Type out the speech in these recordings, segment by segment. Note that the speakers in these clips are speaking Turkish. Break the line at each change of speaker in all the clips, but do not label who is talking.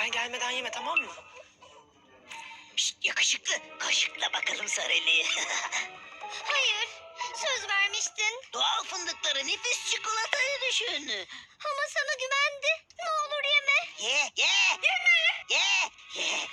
Ben gelmeden yeme, tamam mı?
Şşt, yakışıklı, kaşıkla bakalım Sarelli'yi.
Hayır, söz vermiştin.
Doğal fındıkları nefis çikolatayı düşün.
Ama sana güvendi. Ne olur yeme.
Ye, ye. Ye, ye.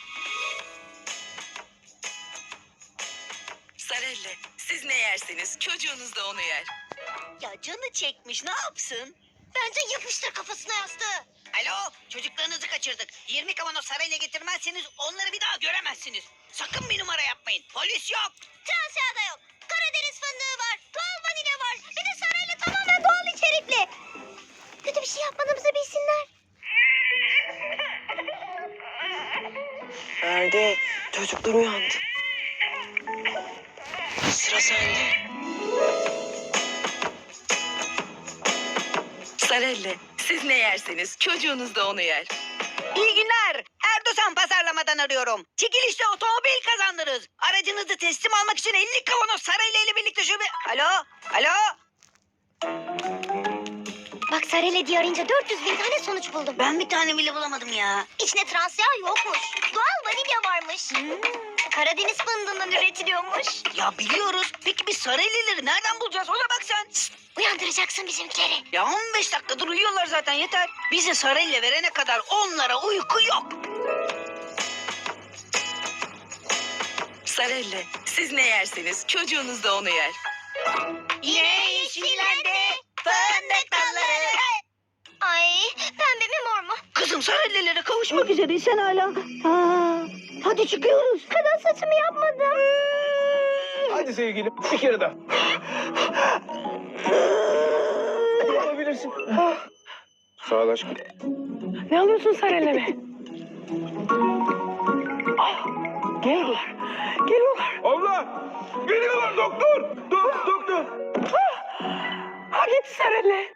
Sarelle, siz ne yerseniz çocuğunuz da onu yer.
Ya canı çekmiş, ne yapsın?
Bence yapıştır kafasına yastığı.
Alo, çocuklarınızı kaçırdık. 20 kavanoz sarayla getirmezseniz onları bir daha göremezsiniz. Sakın bir numara yapmayın. Polis yok.
Transya'da da yok. Karadeniz fındığı var. Doğal vanilya var. Bir de sarayla tamamen doğal içerikli. Kötü bir şey yapmadığımızı bilsinler.
Ferdi, çocuklar uyandı. Sıra sende. Sarelle, siz ne yerseniz çocuğunuz da onu yer.
İyi günler. Erdoğan pazarlamadan arıyorum. Çekilişte otomobil kazandınız. Aracınızı teslim almak için 50 kavanoz sarayla ile birlikte şube... Alo, alo.
Bak Sarayla diye arayınca 400.000 tane sonuç buldum.
Ben bir tane bile bulamadım ya.
İçine Transya yokmuş. Doğal vanilya varmış. Karadeniz fındığından üretiliyormuş.
Ya biliyoruz. Peki biz saraylileri nereden bulacağız? Ona bak sen. Şşt.
Uyandıracaksın bizimkileri.
Ya 15 dakikadır uyuyorlar zaten yeter. Bizi sarayla verene kadar onlara uyku yok.
Sarelle, siz ne yerseniz çocuğunuz da onu yer.
Yine yeşillendi fındık dalları.
Ay pembe mi mor mu?
Kızım saraylılara kavuşmak üzereysen hala. Hadi çıkıyoruz.
Kadın saçımı yapmadım.
Hadi sevgilim bir kere daha. Yapabilirsin. Sağ ol aşkım.
Ne alıyorsun sen elime? Ah, geliyorlar. Geliyorlar.
Abla! Geliyorlar doktor! Doktor!
Ha gitti sen elle.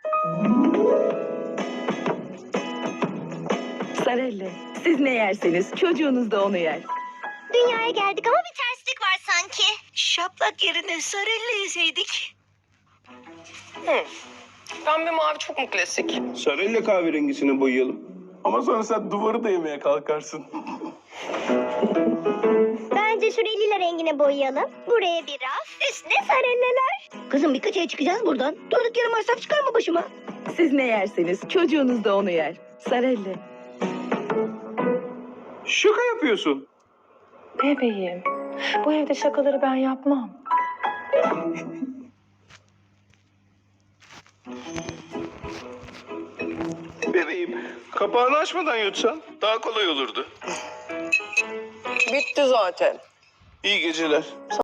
Sarelle, siz ne yerseniz çocuğunuz da onu yer.
Dünyaya geldik ama bir terslik var sanki.
Şaplak yerine saraylı yeseydik.
Pembe mavi çok mu klasik?
Sarıyla kahverengisini boyayalım. Ama sonra sen duvarı da yemeye kalkarsın.
Bence şu lila rengine boyayalım. Buraya bir raf, üstüne sarelleler.
Kızım birkaç ay çıkacağız buradan. Durduk yere masraf çıkarma başıma.
Siz ne yerseniz çocuğunuz da onu yer. Sarelle.
Şaka yapıyorsun.
Bebeğim, bu evde şakaları ben yapmam.
Bebeğim, kapağını açmadan yutsan daha kolay olurdu.
Bitti zaten.
İyi geceler.